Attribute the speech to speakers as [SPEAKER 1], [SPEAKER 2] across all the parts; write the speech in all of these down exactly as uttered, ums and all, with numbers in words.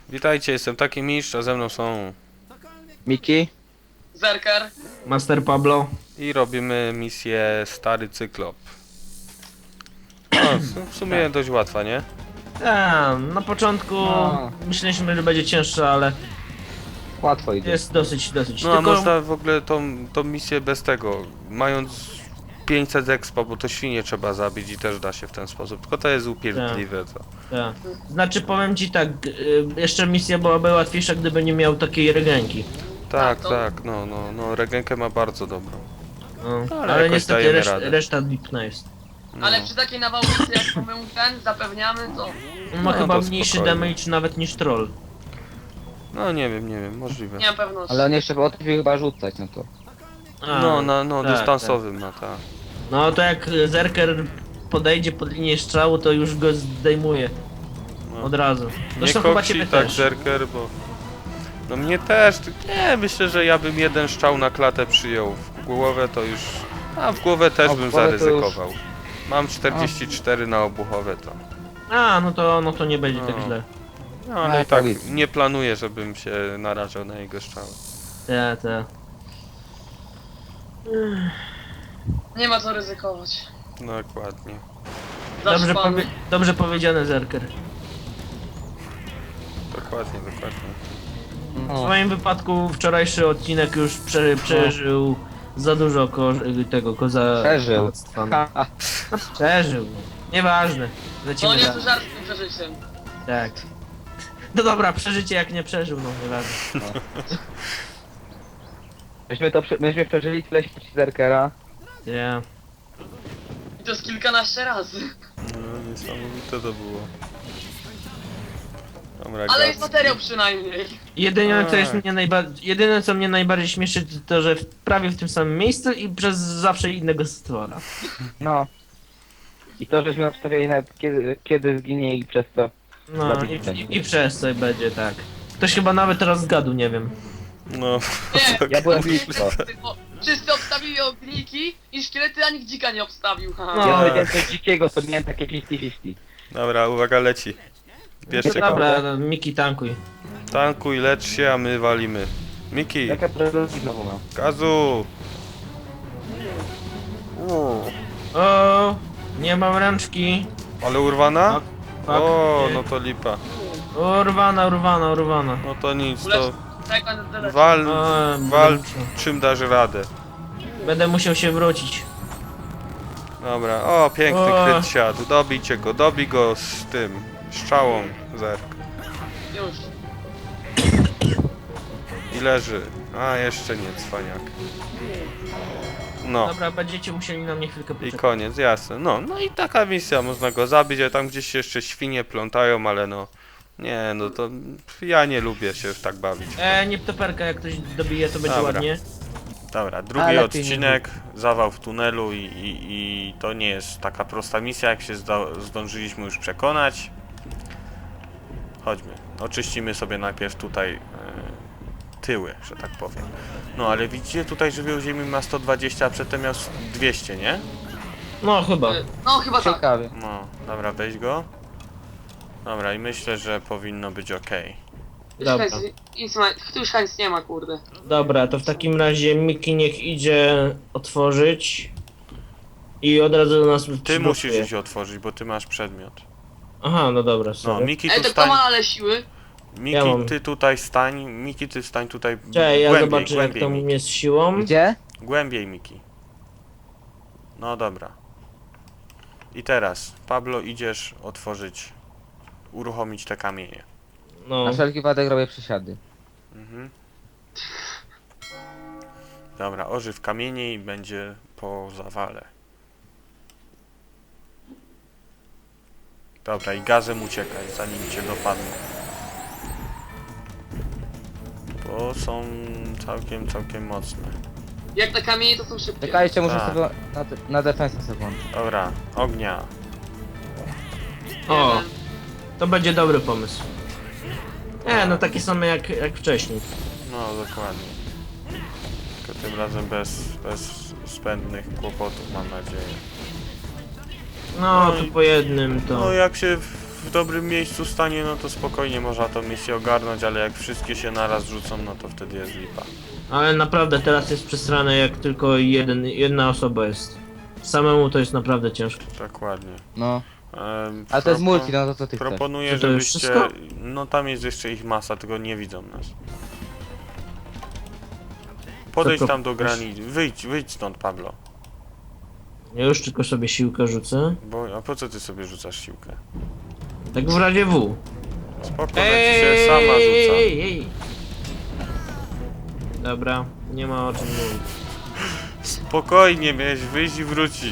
[SPEAKER 1] Witajcie, jestem taki mistrz, a ze mną są...
[SPEAKER 2] Miki?
[SPEAKER 3] Zerker.
[SPEAKER 4] Master Pablo.
[SPEAKER 1] I robimy misję Stary Cyklop. No, w sumie
[SPEAKER 4] Tak.
[SPEAKER 1] dość łatwa, nie?
[SPEAKER 4] A, na początku
[SPEAKER 2] No.
[SPEAKER 4] myśleliśmy, że będzie cięższa, ale
[SPEAKER 2] Łatwo idzie.
[SPEAKER 4] jest dosyć, dosyć.
[SPEAKER 1] No a
[SPEAKER 4] Tylko
[SPEAKER 1] można w ogóle tą, tą misję bez tego, mając pięćset expa, bo to świnie trzeba zabić i też da się w ten sposób, tylko to jest upierdliwe, to...
[SPEAKER 4] tak. Znaczy powiem ci tak, y, jeszcze misja byłaby łatwiejsza, gdyby nie miał takiej regenki.
[SPEAKER 1] Tak,
[SPEAKER 3] to-
[SPEAKER 1] tak, no, no, no, regenkę ma bardzo dobrą.
[SPEAKER 4] No,
[SPEAKER 1] Ale
[SPEAKER 4] ale
[SPEAKER 1] jakoś
[SPEAKER 4] niestety
[SPEAKER 1] dajemy
[SPEAKER 4] reszt,
[SPEAKER 1] radę.
[SPEAKER 4] reszta lipna jest.
[SPEAKER 1] No.
[SPEAKER 3] Ale przy takiej nawałnicy jak mamy ten zapewniamy, to
[SPEAKER 4] Ma
[SPEAKER 1] No,
[SPEAKER 4] chyba
[SPEAKER 1] to
[SPEAKER 4] mniejszy
[SPEAKER 1] spokojnie.
[SPEAKER 4] damage nawet niż troll.
[SPEAKER 1] No nie wiem, nie wiem, możliwe.
[SPEAKER 3] nie mam pewności.
[SPEAKER 2] Ale on jeszcze potrafi chyba rzucać, no to.
[SPEAKER 4] A,
[SPEAKER 1] No, no, no,
[SPEAKER 4] tak,
[SPEAKER 1] dystansowym ma, tak.
[SPEAKER 4] tak. No to jak Zerker podejdzie pod linię strzału, to już go zdejmuje.
[SPEAKER 1] No.
[SPEAKER 4] Od razu.
[SPEAKER 1] Nie
[SPEAKER 4] Zresztą chyba
[SPEAKER 1] koksi
[SPEAKER 4] ciebie
[SPEAKER 1] tak
[SPEAKER 4] też.
[SPEAKER 1] Zerker, bo... No mnie też, ty- nie, myślę, że ja bym jeden strzał na klatę przyjął. W głowę to już... A w głowę też
[SPEAKER 2] A w
[SPEAKER 1] bym
[SPEAKER 2] głowę to już-
[SPEAKER 1] zaryzykował. Mam czterdzieści cztery na obuchowe to.
[SPEAKER 4] A, no to, no to nie będzie tak
[SPEAKER 1] No.
[SPEAKER 4] źle.
[SPEAKER 1] No
[SPEAKER 2] A,
[SPEAKER 1] ale i tak
[SPEAKER 2] powiedz.
[SPEAKER 1] nie planuję, żebym się narażał na jego strzały.
[SPEAKER 4] Te, te.
[SPEAKER 3] Nie ma co ryzykować.
[SPEAKER 1] Dokładnie.
[SPEAKER 4] Dobrze,
[SPEAKER 3] Zaszpany.
[SPEAKER 4] powie dobrze powiedziane, Zerker.
[SPEAKER 1] Dokładnie, dokładnie.
[SPEAKER 4] W
[SPEAKER 2] No.
[SPEAKER 4] moim wypadku wczorajszy odcinek już prze przeżył za dużo ko tego koza...
[SPEAKER 2] Przeżył.
[SPEAKER 4] kozactwa.
[SPEAKER 2] Ha, ha.
[SPEAKER 4] Przeżył. Nieważne. Lecimy
[SPEAKER 3] No nie
[SPEAKER 4] dalej.
[SPEAKER 3] to żart z tym przeżyciem.
[SPEAKER 4] Tak. No dobra, przeżycie jak nie przeżył, no nieważne.
[SPEAKER 2] Myśmy to, prze- myśmy przeżyli tyle śmierci Zerkera.
[SPEAKER 4] Ja.
[SPEAKER 3] I to z kilkanaście razy.
[SPEAKER 1] No niesamowite to było. Dobra,
[SPEAKER 3] Ale
[SPEAKER 1] gaz.
[SPEAKER 3] jest materiał przynajmniej.
[SPEAKER 4] Jedyne co,
[SPEAKER 1] Tak.
[SPEAKER 4] jest mnie najba- jedyne co mnie najbardziej śmieszy to to, że w, prawie w tym samym miejscu i przez zawsze innego stwora.
[SPEAKER 2] No. I to, żeśmy obstawiali nawet kiedy, kiedy zginie i przez to.
[SPEAKER 4] No i, i, i przez co będzie tak. Ktoś chyba nawet teraz zgadł, nie wiem.
[SPEAKER 1] No,
[SPEAKER 3] Nie,
[SPEAKER 2] Ja byłem
[SPEAKER 3] wszyscy-
[SPEAKER 2] blisko.
[SPEAKER 3] bo Wszyscy obstawili ogniki i szkielety, a nikt dzika nie obstawił. Haha.
[SPEAKER 4] No.
[SPEAKER 2] Ja powiedziałem coś dzikiego, to miałem takie pięćdziesiąt pięćdziesiąt.
[SPEAKER 1] dobra, uwaga, leci. Bierzcie go.
[SPEAKER 4] Dobra, no, Miki tankuj.
[SPEAKER 1] Tankuj, lecz się, a my walimy. Miki,
[SPEAKER 2] Jaka prezentacja znowu mam?
[SPEAKER 1] gazu!
[SPEAKER 4] O, nie mam ręczki.
[SPEAKER 1] Ale urwana?
[SPEAKER 4] Tak,
[SPEAKER 1] O,
[SPEAKER 4] nie.
[SPEAKER 1] no to lipa.
[SPEAKER 4] Urwana, urwana, urwana.
[SPEAKER 1] No to nic,
[SPEAKER 3] Ulecz...
[SPEAKER 1] to
[SPEAKER 3] Tak, będę tyle.
[SPEAKER 1] wal,
[SPEAKER 4] O,
[SPEAKER 1] wal
[SPEAKER 4] będę musiał-
[SPEAKER 1] czym dasz radę.
[SPEAKER 4] Będę musiał się wrócić.
[SPEAKER 1] Dobra, o, piękny
[SPEAKER 4] O.
[SPEAKER 1] kryt siadł. Dobijcie go, dobij go z tym, strzałą, zerk.
[SPEAKER 3] Już.
[SPEAKER 1] I leży. A, jeszcze nie, cwaniak. No.
[SPEAKER 4] Dobra, będziecie musieli na mnie chwilkę
[SPEAKER 1] I
[SPEAKER 4] poczekać.
[SPEAKER 1] koniec, jasne. No, no i taka misja, można go zabić, a tam gdzieś się jeszcze świnie plątają, ale no... Nie, no to... Ja nie lubię się tak bawić.
[SPEAKER 4] E, nie ptoperka, jak ktoś dobije, to będzie
[SPEAKER 1] Dobra.
[SPEAKER 4] ładnie.
[SPEAKER 1] Dobra, drugi
[SPEAKER 2] Ale lepiej nie
[SPEAKER 1] odcinek, zawał w tunelu i, i, i to nie jest taka prosta misja, jak się zda, zdążyliśmy już przekonać. Chodźmy, oczyścimy sobie najpierw tutaj e, tyły, że tak powiem. No ale widzicie, tutaj żywioł ziemi ma sto dwadzieścia, a przedtem miał dwieście, nie?
[SPEAKER 4] No chyba.
[SPEAKER 3] No chyba tak.
[SPEAKER 2] Ciekawy.
[SPEAKER 1] No, dobra, weź go. Dobra, i myślę, że powinno być ok.
[SPEAKER 3] Już
[SPEAKER 4] Dobra.
[SPEAKER 3] chęć, nic ma, tu już chęć nie ma, kurde.
[SPEAKER 4] Dobra, to w takim razie Miki niech idzie otworzyć. I od razu do nas
[SPEAKER 1] Ty
[SPEAKER 4] przygotuje.
[SPEAKER 1] musisz iść otworzyć, bo ty masz przedmiot.
[SPEAKER 4] Aha, no dobra,
[SPEAKER 1] No,
[SPEAKER 4] sorry.
[SPEAKER 1] Miki
[SPEAKER 3] Ej,
[SPEAKER 1] tu
[SPEAKER 3] to kto
[SPEAKER 1] stań.
[SPEAKER 3] ma ale siły?
[SPEAKER 1] Miki,
[SPEAKER 4] Ja mam.
[SPEAKER 1] ty tutaj stań. Miki, ty stań tutaj
[SPEAKER 4] Cześć, ja
[SPEAKER 1] głębiej,
[SPEAKER 4] zobaczę jak
[SPEAKER 1] głębiej,
[SPEAKER 4] tam
[SPEAKER 1] Miki.
[SPEAKER 4] jest siłą.
[SPEAKER 2] Gdzie?
[SPEAKER 1] Głębiej, Miki. No dobra. I teraz, Pablo, idziesz otworzyć, uruchomić te kamienie.
[SPEAKER 4] No.
[SPEAKER 2] Na wszelki wypadek robię przysiady.
[SPEAKER 1] Mhm. Dobra, ożyw kamienie i będzie po zawale. Dobra, i gazem uciekaj, zanim cię dopadną. Bo są całkiem, całkiem mocne.
[SPEAKER 3] Jak te kamienie to są szybkie.
[SPEAKER 2] Czekajcie, muszę
[SPEAKER 1] Tak.
[SPEAKER 2] sobie na, de- na defensę sobie włączyć.
[SPEAKER 1] Dobra, ognia.
[SPEAKER 4] O,
[SPEAKER 3] Jeden.
[SPEAKER 4] to będzie dobry pomysł. Nie, no takie same jak, jak wcześniej.
[SPEAKER 1] No, dokładnie. Tylko tym razem bez, bez zbędnych kłopotów, mam nadzieję.
[SPEAKER 4] No,
[SPEAKER 1] No
[SPEAKER 4] to
[SPEAKER 1] i-
[SPEAKER 4] po jednym to...
[SPEAKER 1] No, jak się w w dobrym miejscu stanie, no to spokojnie można tą misję ogarnąć, ale jak wszystkie się naraz rzucą, no to wtedy jest lipa.
[SPEAKER 4] Ale naprawdę teraz jest przesrane, jak tylko jeden, jedna osoba jest. Samemu to jest naprawdę ciężko.
[SPEAKER 1] Dokładnie.
[SPEAKER 2] No.
[SPEAKER 1] Ehm,
[SPEAKER 2] A to jest
[SPEAKER 1] propo-
[SPEAKER 2] multi, no to co ty chcesz?
[SPEAKER 1] Proponuję,
[SPEAKER 4] Czy to już
[SPEAKER 1] żebyście...
[SPEAKER 4] wszystko?
[SPEAKER 1] No tam jest jeszcze ich masa, tylko nie widzą nas. Podejdź
[SPEAKER 4] pro-
[SPEAKER 1] tam do granicy. Wyjdź, wyjdź stąd, Pablo.
[SPEAKER 4] Ja już tylko sobie siłkę rzucę.
[SPEAKER 1] Bo, a po co ty sobie rzucasz siłkę?
[SPEAKER 4] Tak w razie W.
[SPEAKER 1] Spoko, ona ci się sama rzuca.
[SPEAKER 4] ej, ej. Dobra, nie ma o czym mówić.
[SPEAKER 1] Spokojnie, miałeś wyjść i wrócić.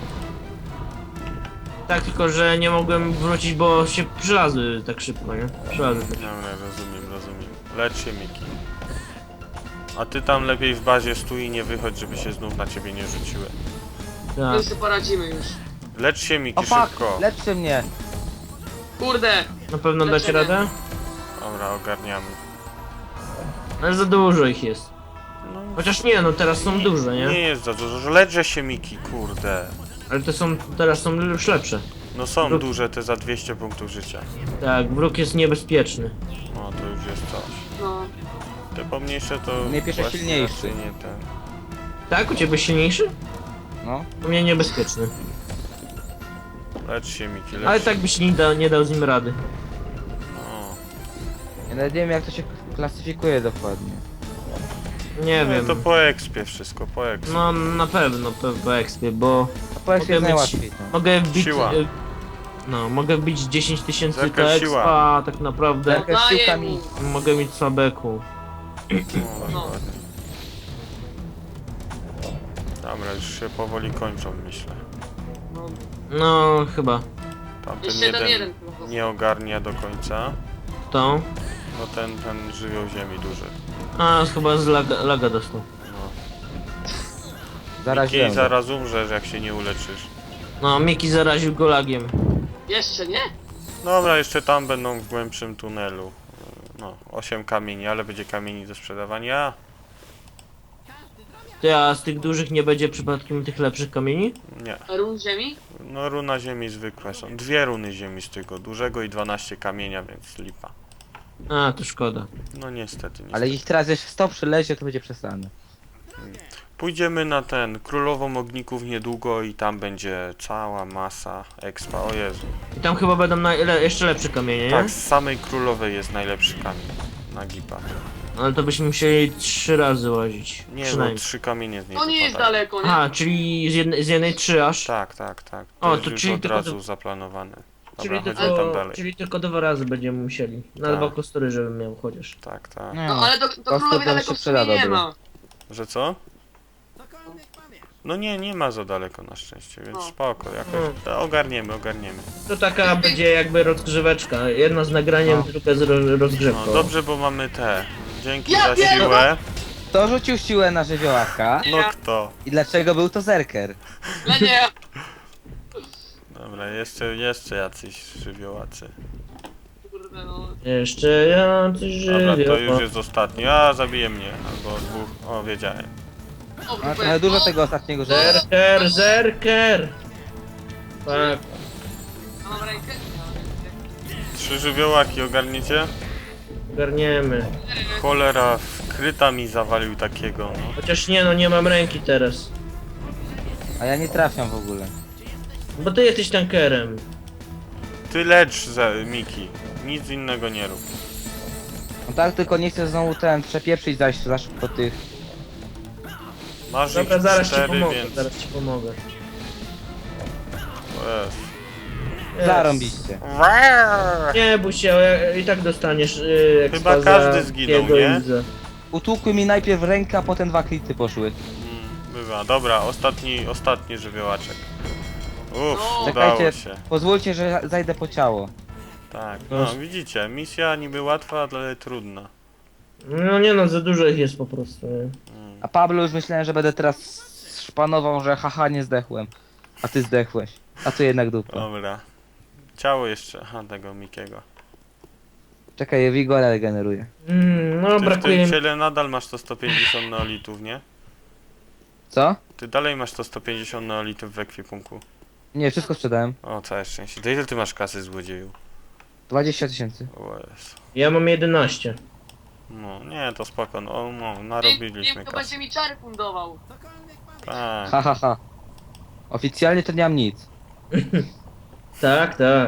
[SPEAKER 4] Tak, tylko że nie mogłem wrócić, bo się przylazły tak szybko, nie? Przylazły tak.
[SPEAKER 1] Dobra, rozumiem, rozumiem. Lecz się, Miki. A ty tam lepiej w bazie stój i nie wychodź, żeby się znów na ciebie nie rzuciły.
[SPEAKER 4] Tak.
[SPEAKER 3] My sobie poradzimy już.
[SPEAKER 1] Lecz się, Miki,
[SPEAKER 2] O fuck,
[SPEAKER 1] szybko.
[SPEAKER 2] leczcie mnie!
[SPEAKER 3] Kurde!
[SPEAKER 4] Na pewno dacie
[SPEAKER 3] Lecimy.
[SPEAKER 4] radę?
[SPEAKER 1] Dobra, ogarniamy.
[SPEAKER 4] Ale za dużo ich jest.
[SPEAKER 1] No,
[SPEAKER 4] Chociaż nie, no teraz są duże,
[SPEAKER 1] nie
[SPEAKER 4] nie?
[SPEAKER 1] jest za dużo. Lecz się, Miki, kurde.
[SPEAKER 4] Ale te są, teraz są już lepsze.
[SPEAKER 1] No są
[SPEAKER 4] Wróg-
[SPEAKER 1] duże te za dwieście punktów życia.
[SPEAKER 4] Tak, wróg jest niebezpieczny.
[SPEAKER 1] No to już jest coś.
[SPEAKER 3] No.
[SPEAKER 1] Te pomniejsze to...
[SPEAKER 2] Nie pierwsze
[SPEAKER 1] właśnie
[SPEAKER 2] silniejszy.
[SPEAKER 1] raczej nie ten.
[SPEAKER 4] Tak, u ciebie silniejszy?
[SPEAKER 2] No.
[SPEAKER 4] U mnie niebezpieczny.
[SPEAKER 1] Lecz się, Miki, lecz
[SPEAKER 4] Ale
[SPEAKER 1] się.
[SPEAKER 4] tak byś nie, da, nie dał z nim rady.
[SPEAKER 1] No.
[SPEAKER 2] Ja nawet nie wiem jak to się klasyfikuje dokładnie.
[SPEAKER 4] Nie
[SPEAKER 1] No,
[SPEAKER 4] wiem.
[SPEAKER 1] to po expie wszystko, po expie.
[SPEAKER 4] No na pewno po, po expie, bo
[SPEAKER 2] A powiedz
[SPEAKER 4] Mogę
[SPEAKER 2] jest
[SPEAKER 4] mieć-
[SPEAKER 2] najłatwiej to.
[SPEAKER 4] mogę wbić...
[SPEAKER 1] Siła.
[SPEAKER 4] y, No, mogę wbić dziesięć tysięcy
[SPEAKER 1] Zerka
[SPEAKER 4] to
[SPEAKER 1] siła.
[SPEAKER 4] expa, a tak naprawdę
[SPEAKER 2] Zerka
[SPEAKER 3] Daję
[SPEAKER 2] siłkami.
[SPEAKER 3] mu.
[SPEAKER 4] mogę mieć słabeku.
[SPEAKER 1] No,
[SPEAKER 3] No.
[SPEAKER 1] dokładnie. Dobra, już się powoli kończą, myślę.
[SPEAKER 3] No.
[SPEAKER 4] No, chyba.
[SPEAKER 1] Tamten
[SPEAKER 3] Jeszcze ten
[SPEAKER 1] jeden
[SPEAKER 3] jeden. po prostu.
[SPEAKER 1] nie ogarnia do końca.
[SPEAKER 4] To.
[SPEAKER 1] No ten, ten żywioł ziemi duży.
[SPEAKER 4] A, chyba z laga, laga dostał.
[SPEAKER 1] No.
[SPEAKER 2] Zaraziłem
[SPEAKER 1] Miki,
[SPEAKER 2] go.
[SPEAKER 1] zaraz umrzesz, jak się nie uleczysz.
[SPEAKER 4] No, Miki zaraził go lagiem.
[SPEAKER 3] Jeszcze nie?
[SPEAKER 1] Dobra, jeszcze tam będą w głębszym tunelu. No, osiem kamieni, ale będzie kamieni do sprzedawania.
[SPEAKER 4] Ty, a z tych dużych nie będzie przypadkiem tych lepszych kamieni?
[SPEAKER 1] Nie.
[SPEAKER 3] Run ziemi?
[SPEAKER 1] No runa ziemi zwykłe są. Dwie runy ziemi z tego dużego i dwanaście kamienia, więc lipa.
[SPEAKER 4] A, to szkoda.
[SPEAKER 1] No niestety, niestety.
[SPEAKER 2] Ale ich teraz jeszcze sto przylezie, to będzie przesane.
[SPEAKER 1] Pójdziemy na ten Królową Ogników niedługo i tam będzie cała masa expa. O Jezu.
[SPEAKER 4] I tam chyba będą na, le, jeszcze lepsze kamienie, nie?
[SPEAKER 1] Tak, z samej Królowej jest najlepszy kamień. Na gipa.
[SPEAKER 4] Ale to byśmy musieli trzy razy łazić.
[SPEAKER 1] Nie, bo
[SPEAKER 4] Przynajmniej.
[SPEAKER 1] trzy kamienie z niej
[SPEAKER 3] To nie jest
[SPEAKER 1] wypadają.
[SPEAKER 3] daleko, nie?
[SPEAKER 4] Aha, czyli z jednej, z jednej trzy aż.
[SPEAKER 1] Tak, tak, tak. To
[SPEAKER 4] O,
[SPEAKER 1] jest
[SPEAKER 4] to
[SPEAKER 1] już
[SPEAKER 4] czyli
[SPEAKER 1] od
[SPEAKER 4] tylko
[SPEAKER 1] razu
[SPEAKER 4] do-
[SPEAKER 1] zaplanowane.
[SPEAKER 4] Czyli
[SPEAKER 1] Dobra, chodźmy
[SPEAKER 4] tylko,
[SPEAKER 1] tam dalej.
[SPEAKER 4] czyli tylko dwa razy będziemy musieli. No
[SPEAKER 1] Tak.
[SPEAKER 4] albo kostury, żebym miał chociaż.
[SPEAKER 1] Tak, tak.
[SPEAKER 2] Nie,
[SPEAKER 3] No ale do, do
[SPEAKER 2] Kostur
[SPEAKER 3] królowej
[SPEAKER 2] tam
[SPEAKER 3] daleko
[SPEAKER 2] się
[SPEAKER 3] w sumie
[SPEAKER 2] przyda
[SPEAKER 3] nie
[SPEAKER 2] dobry.
[SPEAKER 3] ma.
[SPEAKER 1] Że co? No nie, nie ma za daleko na szczęście, więc
[SPEAKER 3] No.
[SPEAKER 1] spoko, jakoś to ogarniemy, ogarniemy.
[SPEAKER 4] To taka będzie jakby rozgrzeweczka. Jedna z nagraniem,
[SPEAKER 2] No.
[SPEAKER 4] druga z ro rozgrzewką.
[SPEAKER 1] No dobrze, bo mamy te. Dzięki
[SPEAKER 3] Ja
[SPEAKER 1] za
[SPEAKER 3] pierdolę!
[SPEAKER 1] siłę.
[SPEAKER 2] Kto rzucił siłę na żywiołaka?
[SPEAKER 1] No kto?
[SPEAKER 2] I dlaczego był to zerker?
[SPEAKER 3] Ale nie.
[SPEAKER 1] Dobra, jeszcze, jeszcze jacyś żywiołacy.
[SPEAKER 3] Kurde no.
[SPEAKER 4] Jeszcze ja coś
[SPEAKER 1] Dobra, to
[SPEAKER 4] żywię.
[SPEAKER 1] już jest ostatni. A, zabije mnie. Albo dwóch. O, wiedziałem.
[SPEAKER 3] O,
[SPEAKER 2] No,
[SPEAKER 3] grupę.
[SPEAKER 2] trochę dużo
[SPEAKER 3] O,
[SPEAKER 2] tego ostatniego żywiołaka.
[SPEAKER 4] Zerker, zerker! Tak,
[SPEAKER 3] a mam rękę? Nie mam rękę.
[SPEAKER 1] Trzy żywiołaki ogarniecie?
[SPEAKER 4] ogarniemy.
[SPEAKER 1] Cholera, kryta mi zawalił takiego, no.
[SPEAKER 4] Chociaż nie no, nie mam ręki teraz.
[SPEAKER 2] A ja nie trafiam w ogóle.
[SPEAKER 4] Bo ty jesteś tankerem.
[SPEAKER 1] Ty lecz, za, Miki. Nic innego nie rób.
[SPEAKER 2] No tak, tylko nie chcę znowu ten przepieprzyć zaś za szybko tych.
[SPEAKER 1] Masz
[SPEAKER 4] Dobra,
[SPEAKER 1] ich
[SPEAKER 4] zaraz ci
[SPEAKER 1] cztery,
[SPEAKER 4] pomogę,
[SPEAKER 1] więc...
[SPEAKER 4] zaraz ci pomogę.
[SPEAKER 1] O Jezu.
[SPEAKER 4] Jest.
[SPEAKER 2] Zarąbiście.
[SPEAKER 4] Nie bój się, ja- i tak dostaniesz yy,
[SPEAKER 1] Chyba
[SPEAKER 4] expa
[SPEAKER 1] każdy
[SPEAKER 4] za
[SPEAKER 1] zginął,
[SPEAKER 4] jego
[SPEAKER 1] nie?
[SPEAKER 4] i za-
[SPEAKER 2] Utłukły mi najpierw rękę, a potem dwa klity poszły.
[SPEAKER 1] Mm, bywa. Dobra, ostatni, ostatni żywiołaczek. Uff,
[SPEAKER 3] No.
[SPEAKER 1] udało
[SPEAKER 2] Czekajcie,
[SPEAKER 1] się.
[SPEAKER 2] pozwólcie, że zajdę po ciało.
[SPEAKER 1] Tak, no widzicie, misja niby łatwa, ale trudna.
[SPEAKER 4] No nie no, za dużo ich jest po prostu. Nie?
[SPEAKER 1] Mm.
[SPEAKER 2] A Pablo już myślałem, że będę teraz szpanował, że haha nie zdechłem. A ty zdechłeś. A to jednak dupa.
[SPEAKER 1] Dobra. Ciało jeszcze, aha, tego Mikiego.
[SPEAKER 2] Czekaj, Wigora regeneruje.
[SPEAKER 4] Mm, no
[SPEAKER 1] Ty w
[SPEAKER 4] brakuje
[SPEAKER 1] tym
[SPEAKER 4] mi...
[SPEAKER 1] ciele nadal masz to sto pięćdziesiąt neolitów, nie?
[SPEAKER 2] Co?
[SPEAKER 1] Ty dalej masz to sto pięćdziesiąt neolitów w ekwipunku.
[SPEAKER 2] Nie, wszystko sprzedałem.
[SPEAKER 1] O, całe szczęście. To ile ty masz kasy, złodzieju?
[SPEAKER 2] dwadzieścia tysięcy.
[SPEAKER 1] O Jezu.
[SPEAKER 4] Ja mam jedenaście.
[SPEAKER 1] No, nie, to spoko, no, no
[SPEAKER 3] Tym,
[SPEAKER 1] narobiliśmy
[SPEAKER 3] tym to
[SPEAKER 1] kasy.
[SPEAKER 3] będzie mi czary fundował.
[SPEAKER 1] Tak.
[SPEAKER 2] Ha, ha, ha. Oficjalnie to nie mam nic.
[SPEAKER 4] Tak, tak.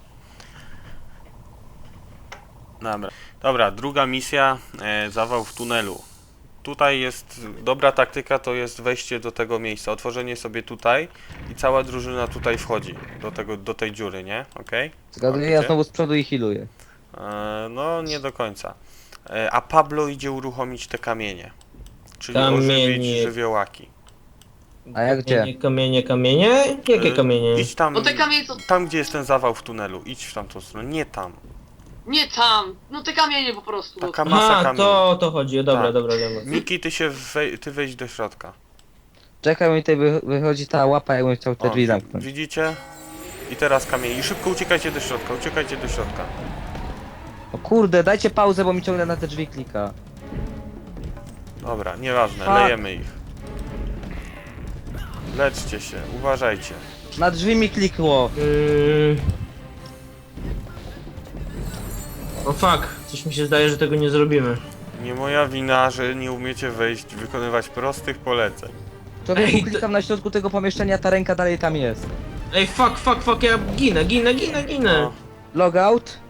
[SPEAKER 1] Dobra. Dobra, druga misja, e, zawał w tunelu. Tutaj jest dobra taktyka, to jest wejście do tego miejsca, otworzenie sobie tutaj i cała drużyna tutaj wchodzi do tego, do tej dziury, nie? Okej?
[SPEAKER 2] Zgaduję, ja
[SPEAKER 1] Łapiecie?
[SPEAKER 2] znowu z przodu i healuję.
[SPEAKER 1] E, no, nie do końca. E, a Pablo idzie uruchomić te kamienie. Czyli
[SPEAKER 4] Kamienie.
[SPEAKER 1] ożywić żywiołaki.
[SPEAKER 2] A jak gdzie?
[SPEAKER 4] Kamienie, kamienie, kamienie? Jakie
[SPEAKER 1] E,
[SPEAKER 4] kamienie?
[SPEAKER 1] Idź tam,
[SPEAKER 3] No te kamienie co...
[SPEAKER 1] tam gdzie jest ten zawał w tunelu, idź w tamtą stronę, nie tam.
[SPEAKER 3] Nie tam! No te kamienie po prostu.
[SPEAKER 1] Taka masa
[SPEAKER 4] Aha,
[SPEAKER 1] kamieni.
[SPEAKER 4] to o to chodzi. Dobra,
[SPEAKER 1] Tak.
[SPEAKER 4] dobra, dobra.
[SPEAKER 1] Miki, ty się wej, ty wejdź do środka.
[SPEAKER 2] Czekaj, mi tutaj wy- wychodzi ta łapa, jakbym chciał te
[SPEAKER 1] O,
[SPEAKER 2] drzwi
[SPEAKER 1] wi-
[SPEAKER 2] zamknąć.
[SPEAKER 1] Widzicie? I teraz kamień. I szybko uciekajcie do środka, uciekajcie do środka.
[SPEAKER 2] O kurde, dajcie pauzę, bo mi ciągle na te drzwi klika.
[SPEAKER 1] Dobra, nieważne,
[SPEAKER 2] Fuck.
[SPEAKER 1] lejemy ich. Leczcie się, uważajcie.
[SPEAKER 2] Na drzwi mi klikło.
[SPEAKER 4] Mm. O fuck, coś mi się zdaje, że tego nie zrobimy.
[SPEAKER 1] Nie moja wina, że nie umiecie wejść, wykonywać prostych poleceń.
[SPEAKER 2] Człowieku,
[SPEAKER 4] Ej, to-
[SPEAKER 2] klikam na środku tego pomieszczenia, ta ręka dalej tam jest.
[SPEAKER 4] Ej, fuck, fuck, fuck, ja ginę, ginę, ginę, ginę.
[SPEAKER 1] No,
[SPEAKER 2] Logout.